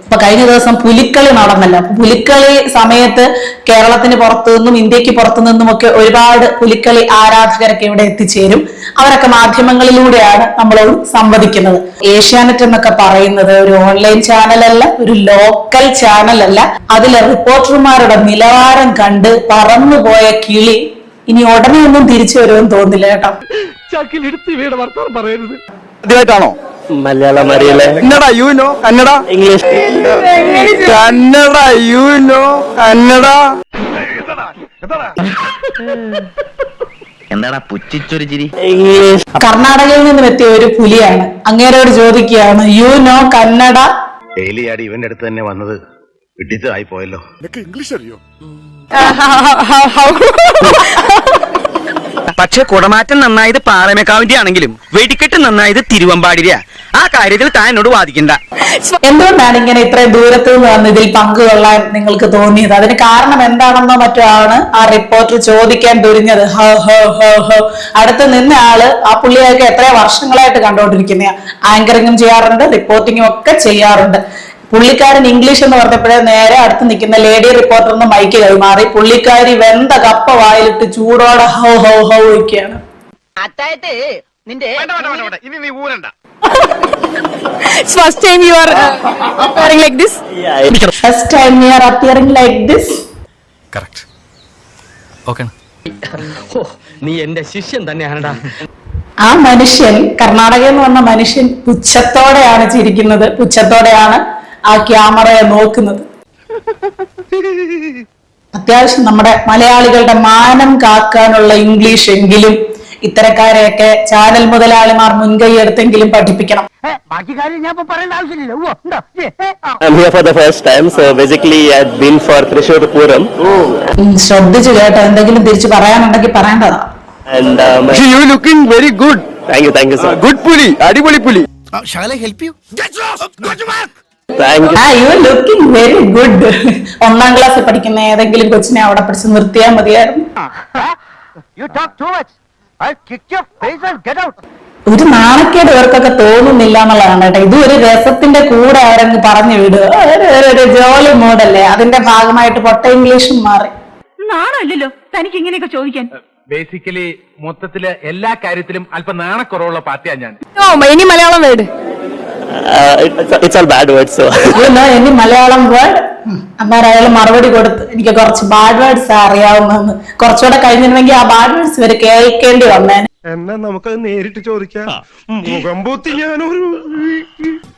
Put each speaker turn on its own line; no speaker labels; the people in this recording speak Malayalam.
ഇപ്പൊ കഴിഞ്ഞ ദിവസം പുലിക്കളി നടന്നല്ലോ. പുലിക്കളി സമയത്ത് കേരളത്തിന് പുറത്തു നിന്നും ഇന്ത്യക്ക് പുറത്തു നിന്നും ഒക്കെ ഒരുപാട് പുലിക്കളി ആരാധകരൊക്കെ ഇവിടെ എത്തിച്ചേരും. അവരൊക്കെ മാധ്യമങ്ങളിലൂടെയാണ് നമ്മളോട് സംവദിക്കുന്നത്. ഏഷ്യാനെറ്റ് എന്നൊക്കെ പറയുന്നത് ഒരു ഓൺലൈൻ ചാനലല്ല, ഒരു ലോക്കൽ ചാനലല്ല. അതിലെ റിപ്പോർട്ടർമാരുടെ നിലവാരം കണ്ട് പറന്നുപോയ കിളി ഇനി ഉടനെ ഒന്നും തിരിച്ചു വരുമെന്ന് തോന്നില്ല കേട്ടോ.
ആദ്യമായിട്ടാണോ
മലയാളം അറിയില്ലേ?
Kannada you know? Kannada
English
Kannada you know? Kannada
എന്താടാ പുച്ഛിച്ചൊരു ചിരി?
ഇംഗ്ലീഷ്.
കർണാടകയിൽ നിന്നും എത്തിയ ഒരു പുലിയാണ്. അങ്ങേരോട് ചോദിക്കുകയാണ്, യു നോ കന്നഡ?
ഡെയിലിയാടി ഇവന്റെ അടുത്ത് തന്നെ വന്നത് വിട്ടിത്തായി പോയല്ലോ.
ഇംഗ്ലീഷ് അറിയോ?
പക്ഷെ കുടമാറ്റം നന്നായത് പാറമേക്കാവിന്റെ ആണെങ്കിലും വെടിക്കെട്ട് നന്നായത് തിരുവമ്പാടിര. ആ കാര്യത്തിൽ താൻ എന്നോട് വാദിക്കണ്ട.
എന്തുകൊണ്ടാണ് ഇങ്ങനെ ഇത്രയും ദൂരത്തു നിന്ന് വന്ന് ഇതിൽ പങ്കുകൊള്ളാൻ നിങ്ങൾക്ക് തോന്നിയത്? അതിന് കാരണം എന്താണെന്നോ മറ്റോ ആണ് ആ റിപ്പോർട്ടർ ചോദിക്കാൻ തുരിഞ്ഞത്. ഹോ ഹോ ഹോ ഹോ. അടുത്ത് നിന്ന ആള് ആ പുള്ളിയൊക്കെ എത്രയോ വർഷങ്ങളായിട്ട് കണ്ടുകൊണ്ടിരിക്കുന്ന ആങ്കറിങ്ങും ചെയ്യാറുണ്ട്, റിപ്പോർട്ടിങ്ങും ഒക്കെ ചെയ്യാറുണ്ട്. പുള്ളിക്കാരൻ ഇംഗ്ലീഷ് എന്ന് പറഞ്ഞപ്പോഴേ നേരെ അടുത്ത് നിൽക്കുന്ന ലേഡി റിപ്പോർട്ടറിന് മൈക്ക് കൈമാറി പുള്ളിക്കാരി വെന്ത കപ്പ വായിലിട്ട് ചൂടോടെ ഹോ ഹോ ഹോ ഒക്കെയാണ്.
First time you are appearing like this?
First time you are appearing like this?
Correct. Okay.
നീ എന്റെ ശിഷ്യൻ തന്നെയാണടാ.
ആ മനുഷ്യൻ, കർണാടകയിൽ നിന്ന് വന്ന മനുഷ്യൻ പുച്ഛത്തോടെയാണ് ചിരിക്കുന്നത്, പുച്ഛത്തോടെയാണ് ആ ക്യാമറയെ നോക്കുന്നത്. അത്യാവശ്യം നമ്മുടെ മലയാളികളുടെ മാനം കാക്കാനുള്ള ഇംഗ്ലീഷ് എങ്കിലും ഇത്തരക്കാരെയൊക്കെ ചാനൽ മുതലാളിമാർ മുൻകൈ എടുത്തെങ്കിലും പഠിപ്പിക്കണം.
I'm here for the first time, so basically I've been for Thrissur Puram.
ശ്രദ്ധിച്ചു കേട്ടോ, എന്തെങ്കിലും തിരിച്ചു പറയാനുണ്ടെങ്കിൽ പറയേണ്ടതാ.
And
you looking very good.
thank you sir.
Good പുലി, അടിപൊളി പുലി.
Shall I help you?
Thank you.
You are looking very good. 1ാം ക്ലാസ്സിൽ പഠിക്കുന്ന ഏതെങ്കിലും കൊച്ചിനെ അവിടെ പിടിച്ച് നിർത്തിയാൽ മതിയായിരുന്നു. ഒരു നാണക്കേട് ഇവർക്കൊക്കെ തോന്നുന്നില്ല എന്നുള്ളതാണ് കേട്ടോ. ഇത് ഒരു രസത്തിന്റെ കൂടെ ആരെങ്കിലും പറഞ്ഞു വിടുക, ഒരു ജോലി മോഡല്ലേ, അതിന്റെ ഭാഗമായിട്ട് പൊട്ട ഇംഗ്ലീഷും മാറി.
നാണല്ലോ തനിക്ക് ഇങ്ങനെയൊക്കെ ചോദിക്കാൻ.
ബേസിക്കലി മൊത്തത്തില് എല്ലാ കാര്യത്തിലും അല്പം നാണക്കുറവുള്ള പാർട്ടിയാണ് ഞാൻ.
ഇനി Malayalam word.
It's all bad words, so
ഇനി മലയാളം വേർഡ്. അന്നേരം അയാൾ മറുപടി കൊടുത്ത് എനിക്ക് കുറച്ച് ബാഡ് വേർഡ്സ് അറിയാവുന്നതെന്ന്. കുറച്ചുകൂടെ കഴിഞ്ഞിരുന്നെങ്കിൽ ആ ബാഡ് വേർഡ്സ് ഇവര് കേൾക്കേണ്ടി വന്നേനെ.
എന്നാ നമുക്കത് നേരിട്ട് ചോദിക്കാം. മുഖം പൂത്തി ഞാനൊരു